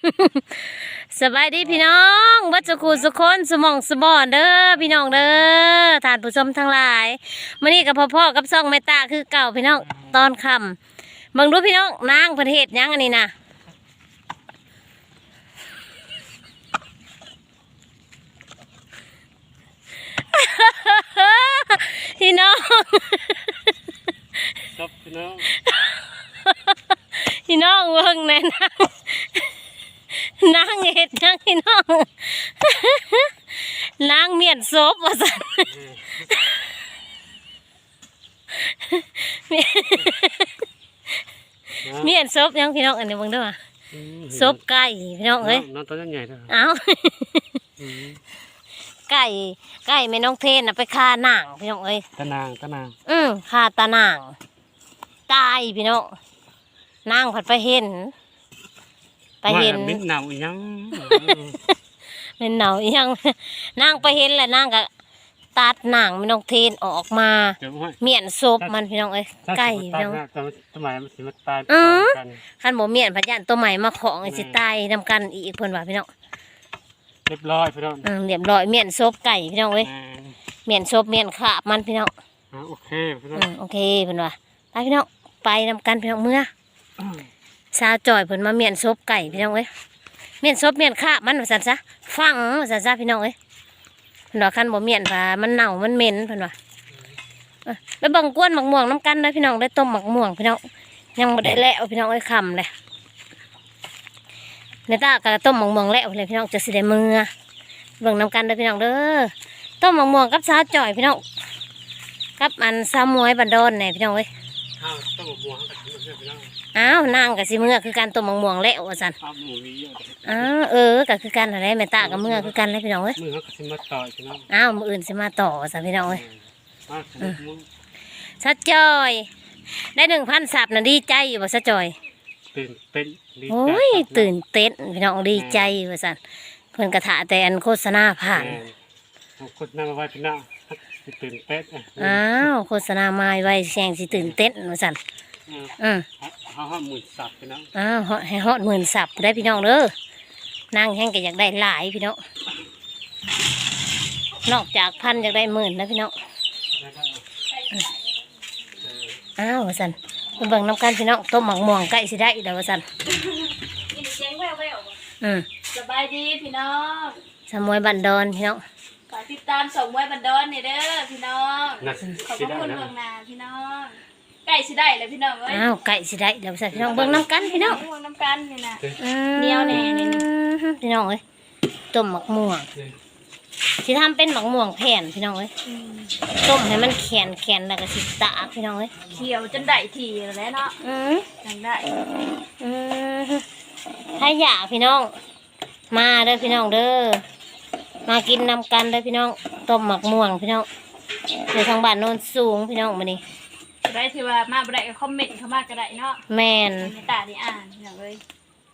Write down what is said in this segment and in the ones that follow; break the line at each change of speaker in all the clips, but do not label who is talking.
สบายดีพี่น้องวัดสุขุสุคนสมองสมอนเด้อพี่น้องเด้อท่านผู้ชมทั้งหลายมื้อนี้กับพ่อกับซ่องแม่ตาคือเก่าพี่น้องตอนค่ำเบิ่งดูพี่น้องนางเพิ่นเฮ็ดหยังอันนี้นะพี่น้อง
ครับพี่น้อง
พี่น้องเบิ่งแน่นางเฮ็ดหยังพี่น้องนางเมียนศพว่าซั่น เมียนซบยังพี่น้องอันนี้เบิ่งเด้อว่าซบไก่พี่น้องเอ้ย
น้องตัวใหญ่ด้วย
เอ้าไก่แม่น้องเทนน่ะไปฆ่านางพี่น้องเอ้ย
ตะนาง
ฆ่าตานางตายพี่น้องนางผัดไปเห็น
มิ้นหนาวยัง
เป็นเหนาอีหยังนางไปเห็นแหละนางก็ตัดนางแม่น้องเทนออกมาเมียนซบมันพี่น้องเอ้ยไก่พี่น้อง
ทำไมมันสิมาตายกัน
คันบ่เมียนพะยันตัวใหม่มาของสิตายนำกันอีกเพิ่นว่าพี่น้อง
เรียบร้อยพี่น้อง
เรียบร้อยเมียนซบไก่พี่น้องเอ้ยเมียนซบเมียนขาบมันพี่น้อง
โอเคพี่น้อง
โอเคเพิ่นว่าไปพี่น้องไปนำกันพี่น้องเมื่อสาวจ่อยเพิ่นมาเมียนซบไก่พี่น้องเอ้ยเมียนซบเมียนขาบมันว่าซั่นซะฟังว่าซั่นซะพี่น้องเอ้ยเพิ่นว่าคันบ่เมียนว่ามันเน่ามันเหม็นเพิ่นว่าไปเบิ่งกวนหมักม่วงน้ำกันเด้อพี่น้องได้ต้มหมักม่วงพี่น้องยังบ่ได้แล้วพี่น้องเอ้ยค่ำเลยในตากะต้มหมักม่วงแล้วเลยพี่น้องจะสิได้มือเบิ่งน้ำกันเด้อพี่น้องเด้อต้มหมักม่วงกับสาวจ่อยพี่น้องกับอันสาวมวยบันดอนเนี่ยพี่น้องเอ้ย
ต้องบวกกับพี่น้อง
อ้าวนางกับสิมือคือการต้มหมักม่วงแล้วว่าซั่น
หมูมีเยอะ
ก็คือกันอะไรแม่ตากับมือคือกันเลยพี่น้องเอ้ย
มือเขาสิมาต่อยพี่น้อง
อ้าวมืออื่นสิมาต่อว่าซั่นพี่น้องเอ้ย
มือ
สาวจ่อยได้1,000 ซับน่ะดีใจอยู่บ่สาวจ่อย
ตื่นเต้น
โอ้ยตื่นเต้นพี่น้องดีใจว่าซั่นเพิ่นกระถาแต่อันโฆษณาผ่าน
คนนั่งไว้พี่น้องตื่นเต้น
อ้าวโฆษณามาไว้แสงสิตื่นเต้นว่าซั่น
เขาห้าหมื่นสับพี่น้อง
อ้าวให้ฮอด10,000 ซับได้พี่น้องเด้อนางแห้งก็อยากได้หลายพี่น้องนอกจากพันอยากได้10,000นะพี่น้องอ้าวว่าซั่นไปเบิ่งน้ำกันพี่น้องต้มหมักม่วงใกล้สิได้แล้วว่าซั่น
ยินเสียงแว่ว สบายดีพี่น้อง
สมวยบันดอนพี่น้อง
ฝากติดตามส่งไว้บันดอนนี่เด้อพี่น้อง
นะ
ขอบพระคุณเมืองนาพี่น้องใกล้สิได้เลยพี่น้องเอ้ย
อ้าวใกล้สิได้แล้วว่าซั่นพี่น้องเบิ่งน้ำกันพี่น้อง
ม่วงน้ำกันนี่นะ
เหนียวแน่นี่พี่น้องเอ้ยต้มหมักม่วงสิทำเป็นหมักม่วงแผ่นพี่น้องเอ้ยต้มให้มันแข็งแล้วก็สิตากพี่น้องเอ้ย
เขียวจนได้ทีแล้วเนาะจังได้
ถ้าอยากพี่น้องมาเด้อพี่น้องเด้อมากินนำกันเด้อพี่น้องต้มหมักม่วงพี่น้องในทางบ้านโนนสูงพี่น้องมานี่
ได้ที่ว่ามาบ่ได้ก็คอมเมนต์เข้ามาก็ได้เนาะ
แม่น
ในตานี่อ่านพี่น้องเอ้ย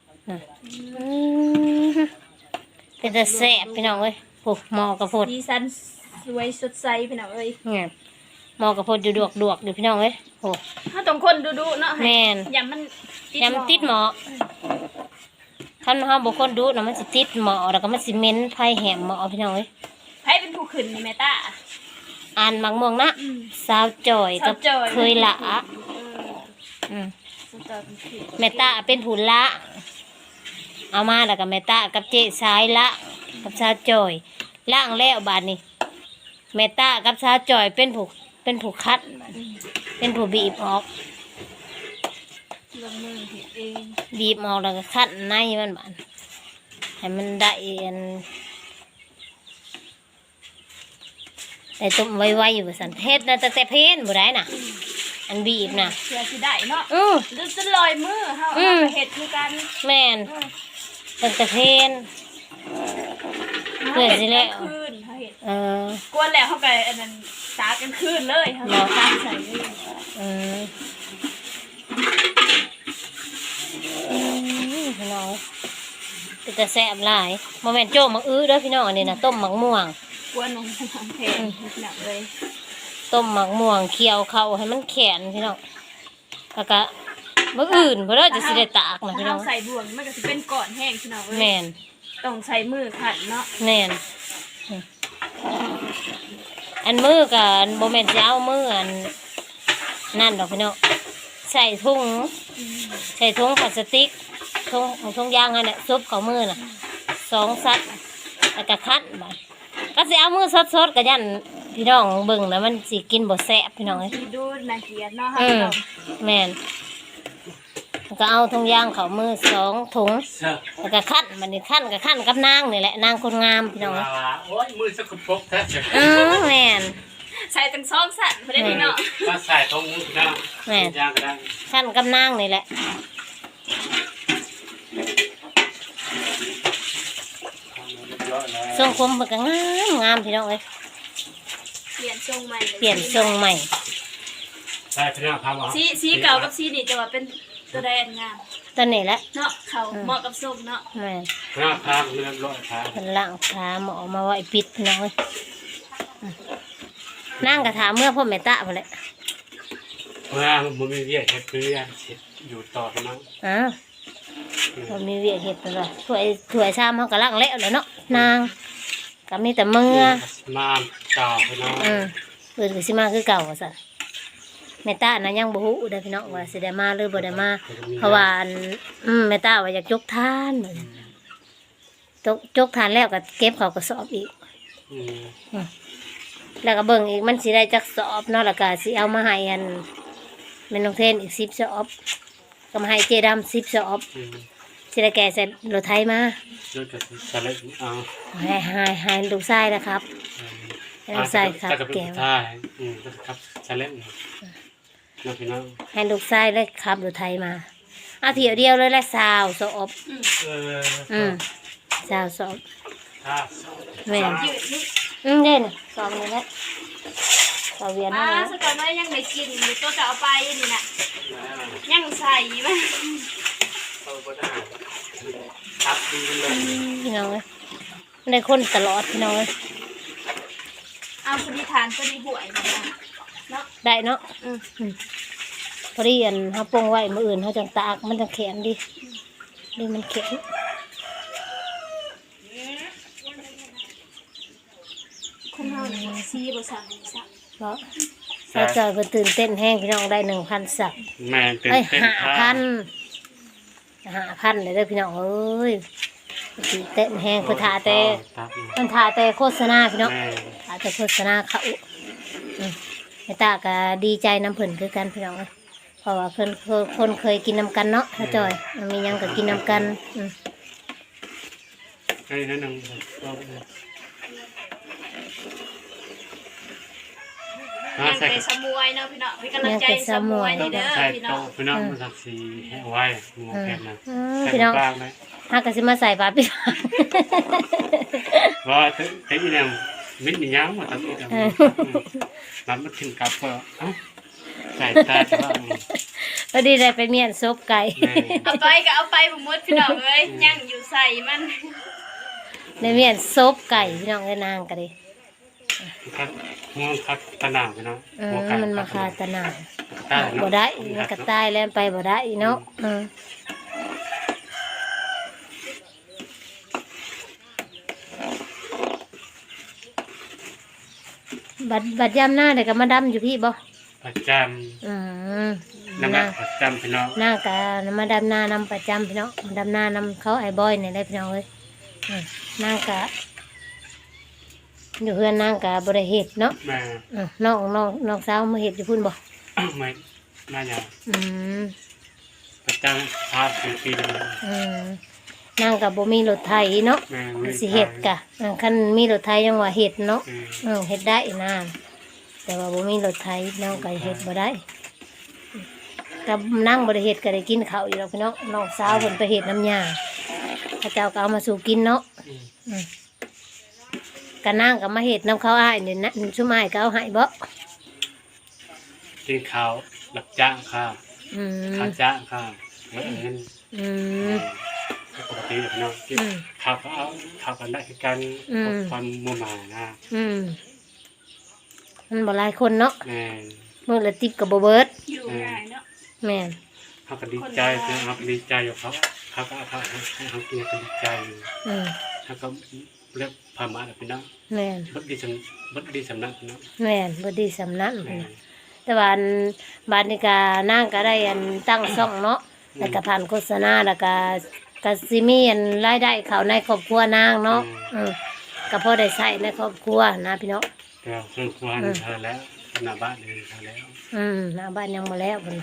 เป็นแต่แซ่บพี่น้องเอ้ยโอ้หมอกระพด
สีสันสวยสดใสพี่น้องเอ้ย
เนี่ยหมอกระพดอยู่ดวกอยู่พี่น้องเอ้ยโอ้
ถ้าต้องคนดูๆเนาะ
แม่น
อย่ามัน
ยำมันติดหมอคันเฮาบ่คนดูน่ะมันสิติดหมอแล้วก็มันสิเหม็นไผแหมหมอพี่น้องเอ้ย
ไผเป็นผู้ขึ้นนี่แม่ตา
อ่านหมักม่วงนะสาวจ่อยกับ
สาวจ่อย
เคยละอืม
สตอเป็นผู้
แม่ตาเป็นผู้ละเอามาแล้วก็แม่ตากับเจ๊สายละกับสาวจ่อยล่างแล้วบาดนี้แม่ตากับสาวจ่อยเป็นผู้คัดเป็นผู้บีบออก
ลงมือเฮ็ดเอง
บีบออกแล้วก็คัดในมันบาดให้มันได้อันได้ต้มไวๆอยู่ว่าซั่นเฮ็ดน่ะตั้งแต่เพลนบ่ได้น่ะ อันบีบน่ะ
เพื่อสิได้เนาะ
อือ
หรือจะลอยมือเฮา
อืม
เฮ็ดคือกัน
แม่นตั้งแต่เพลน เพื่อสิแล้ว
คืนเฮาเฮ็ด
เออก
วนแล้วเฮาก็อันนั้นตากกันคืนเลยเฮาก็ตากใส่เลย
พี่น้องเป็นแต่แซ่บหลายโมเมนต์โจ้มักอื้อเด้อพี่น้องอันนี้นะต้มหมักม่วง
กวนลงทางเพลงหนักเลย
ต้มหมักม่วงเคี่ยวเข้าให้มันแข็งพี่น้องแล้วก็มื้ออื่นเพิ่นเด้อจะสิได้ตากนะ
ถ้า
พี่น้
เรา
อง
ใส่บ่วงมันก็สิเป็นก้อนแห้งพี่น้องเอ้ย
แม่น
ต้องใส่มือขัดเนาะ
แม่นอันมือก็บ่แม่นสิเอามืออันนั่นดอกพี่น้องใส่ถุงพลาสติกถุงยางนั่นแหละซุบเข้ามือน่ะ2ซัดแล้วก็คั้นบัดก็สิเอามือสดๆก็ยันพี่น้องเบิ่งแล้วมันสิกินบ่แซ่บพี่น้องเอ้ย
สิดูน่าเกลียดเนาะ
อื
ค่ะ
มแม่นแล้วก็เอาถุงยางเข้ามือ2ถุง
เสื้อ
แล้วก็คั้นบัดนี้คั้นก็คั้นกับนางนี่แหละนางคนงามพี่น้องเอ้ย
โอ้ยมือสกปรกแท้เสีย
แม่น
ใส่ตั้ง2สั่นบ่ได้นี่เนาะ
มาใส่ตรงมือนะ
แม่
ย่างก็ได้
คั้นกับนางนี่แหละทรงผมมันก็งามพี่น้องเอ้ย
เปลี่ยนทรงใหม่
เปลี่ยนทรงใหม่
ใส่พี่น้องครับ
สีเก่ากับสีนี่จะว่าเป็นตัวใดอันงาม
ตอนนี้แหละ
เนาะเขาเหมาะกับทรงเนาะ
แม่
พี่น้องครับเรียบร้อยครับ
เป็นล่างขาหมอมาไว้ปิดพี่น้องเอ้ยนั่งกระถามเมื่อพ่อแม่ตะไปเลย
เมื่อมันมีเวียดเฮ็ดเพื่อนเสร็จอยู่ต่อพี่น้อง
อ้าวเรามีเวียกเห็ดตลอดถ้วยชามเขากระล่างแล้วเลยเนาะนางก็มีแต่มือ
มาต่อพี่น้อง
อื่นก็สิมาคือเก่าว่าซั่นแม่ตานะยังบ่ฮู้เด้อพี่น้องว่าสิได้มาหรือบ่ได้มาเพราะว่าอันแม่ตาว่าอยากยกทานเหมือนจกทานแล้วก็เก็บเข้ากระสอบอีก แล้วก็เบิ่งอีกมันสิได้จักสอบเนาะแล้วก็สิเอามาให้อันแม่น้องเทนอีก10สอบก็มาให้เจดํ10สอบสิได้แก่ใส่รถไถมา
เลือดกับสลัดเอา
ให้ลูกชายนะครับให้ลูกชายครับแก้ว
ใช่ก็ครับสลัดนะพี่น้อง
ให้ลูกชายเลยครับรถไถมาเอาเที่ยวเดียวเลยแหละสาวสอบ สาวสอบ
ถ้า
แม่น
ยืดนี่
เด่นสอบนี่แหละสอบเวียน
อ่า
นี่
สก่อนว่ายังได้กินอยู่ตัวจะเอาไปนี่น่ะยังใส่มั้ย
เขาก็ได้ครับดีเลย
พี่น้องเอ้ยได้คนตลอดพี่น้องเอ้ย
เอาพอดีทานพอดีหวยนี่นะเนาะ
ได้เนาะพอดีอันเขาปรุงไว้มื้ออื่นเขาจังตากมันจะแข็งดีมันแข็ง
คนเฮานี่สีบ่สั่งสัก
เพราะสาวจอยเพิ่นตื่นเต้นแห้งพี่น้องได้ 1,000 สับ
แม่ตื่น
เอ้ย
เต้น
5,000เลยเด้อพี่น้องเอ้ยตื่นเต้นแห้งเพิ่นท่าแต่โฆษณาพี่น้อง
แม่
ท่าแต่โฆษณาเขาแม่ตาก็ดีใจน้ำเพิ่นคือกันพี่น้องเอ้ยเพราะว่าคนเคยกินน้ำกันเนาะสาวจอยมีหยังก็กินน้ำกัน
ให้นั่นนึง
ยังไปสมวยเนาะพี่น้องเป็นกำลังใจสมวยนี่เด้อ
ใส่
พี่น้
โต
อง
พี่น้องมันสักสีแห้งไว้หมูแผ่นนะ
พี่น้อง
บ้างไหม
หากก็สิมาใส่บาตรพี่
ว่าถึงอีเนี่ยมิ้นมีย้ำมาทำอีกน้ำมันขึ้นกับเปล่าใส่ตาจะว่า
พอดีได้ไปเมียนซุปไก่
เอาไปก็เอาไปบ่หมดพี่น้องเอ้ยยังอยู่ใส่มัน
ได้เมียนซุปไก่พี่น้องเอ้ยนางก็ดิ
ครับง่วงครับตะหนาวเนาะ
มันมาคาตะนาว
ได้
บ่ได้มันก็ตายแล้วไปบ่ได้เนาะบัดยามหน้าเดี๋ยวก็มาดำอยู่พี่บ่
ประจำน้ำประจำพี่น้อง
หน้าก็มาดำหน้านำประจำพี่น้องดำหน้านำเขาไอ้บอยนี่ได้พี่น้องเอ้ยนางก็อยู่เพื่อนนางก็บ่ได้เฮ็ดเนาะ
แม่
น้องสาวมาเฮ็ดอยู่พุ่นบ่
ไม่น่าจะ ประจำภาพปีเลย
นางก็บ่มีรถไถเนาะ
แม่
สิเฮ็ดกะคันมีรถไถยังว่าเฮ็ดเนาะเฮ็ดได้นะแต่ว่าบ่มีรถไถน้องก็เฮ็ดบ่ได้กับนั่งบ่ได้เฮ็ดก็ได้กินข้าวอยู่แล้วพี่น้องน้องสาวเพิ่นไปเฮ็ดน้ำยาพระเจ้าก็เอามาสู่กินเนาะก็นั่งก็มาเฮ็ดน้ำเขาอ้ายนี่นะชุมอ้ายก็เอาให้บ่
กินข้าวรับจ้างค่ะข้าวจ้างค่ะแล้วเงินปกติเลยพี่น้องข้าวก็เอาข้าวกันได้คือกันความมัวหมานะ
มันบ่หลายคนเนาะ
แม่
มื้อละ10ก็บ่เบิด
อยู่ง่ายเนาะ
แม่น
เขาก็ดีใจคือเขาก็ดีใจอยู่เขาก็เขาให้เขากินก็ดีใจอยู่ เขาก็เรียกพามาแล้วพี่น้อง
แม่น
บดดีสำนักพี่น้อง
แม่นบ่ดีสำนัก
แม่
แต่ว่าอันบาดนี้ก็นางก็ได้อันตั้งช่องเนาะแล้วก็ผ่านโฆษณาแล้วก็สิมีอันรายได้เข้าในครอบครัวนางเนาะก็พอได้ใช้ในครอบครัวนะพี่น้อง
แต่เพื่อนควานเธอแล้วหน้าบ้านเองเธอแล้ว
หน้าบ้านยังบ่แล้วพุ่น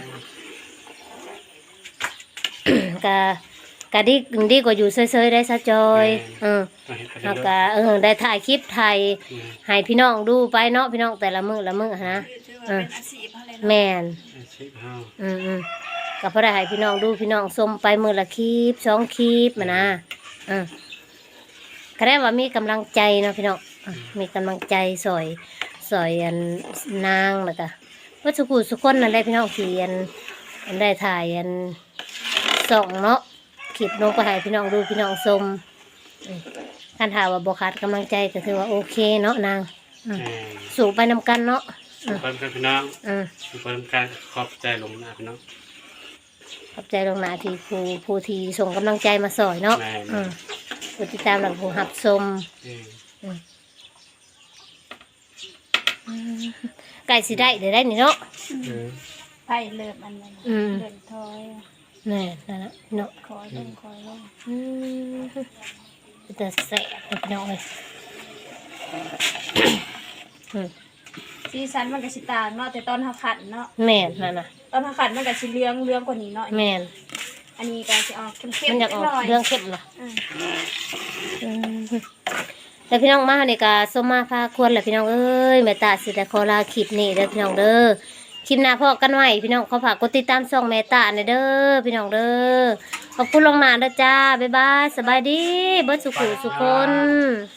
ก็ดีกว่าอยู่เฉยๆได้ซะจอย
ต้องเห็นไป
แล้ว
เรื่
ก็
อย
ได้ถ่ายคลิปถ่ายให้พี่น้องดูไปเนาะพี่น้องแต่ละมื้อนะ
ถือว่าเป็นอาชีพอะไรเนาะ
แม่น
ๆชิบเฮา
ก็พอได้ให้พี่น้องดูพี่น้องชมไปมื้อละคลิป2คลิปมานะก็ได้ว่ามีกำลังใจเนาะพี่น้องมีกำลังใจสอยอันนางแล้วก็ว่าสุขุสุคนนั่นแหละพี่น้องที่อันได้ถ่ายอันส่องเนาะคลิปลงไปให้พี่น้องดูพี่น้องชมคันถามว่าบ่ขาดกำลังใจก็ถือว่าโอเคเนาะนางสู่ไปนำกันเนาะ
สุขภาพพี่น้อง สุขภาพการขอบใจลงหน้าพี่น้อง
ขอบใจลงหน้าที่ผู้ที่ส่งกำลังใจมาสอยเนาะผู้ติดตามหลังผู้หับชมไก่สิได้เดี๋ยวได้นี่เนาะ
ไผ่เลิบอันนั้นเดินถอย
แน่นั่นนะเนาะ
คอยลงคอยลง
จะแสบพี่น้องเลย
สีสันมันก็สิต่างเนาะแต่ตอนเฮาขัดเนาะ
แม่นนั่นนะ
ตอนเฮาขัดมันก็สิเหลืองกว่านี้เนาะ
แม่น
อันนี้ก็สิออกเข้ม
มัน
ๆ
อยากออก
หน่อย
เรื่องเข้มเหรอแต่พี่น้องมาเนี่ยก็ส้มมาพาควรแหละพี่น้องเอ้ยแม่ตาสิแต่ขอลาคลิปนี้เด้อพี่น้องเด้อคลิปหน้าพอกันไว้พี่น้องขอฝากกดติดตามช่องแม่ตาหน่อยเด้อพี่น้องเด้อขอบคุณลงหน้าเด้อจ้าบ๊ายบายสบายดีเบิดสุขุสุคน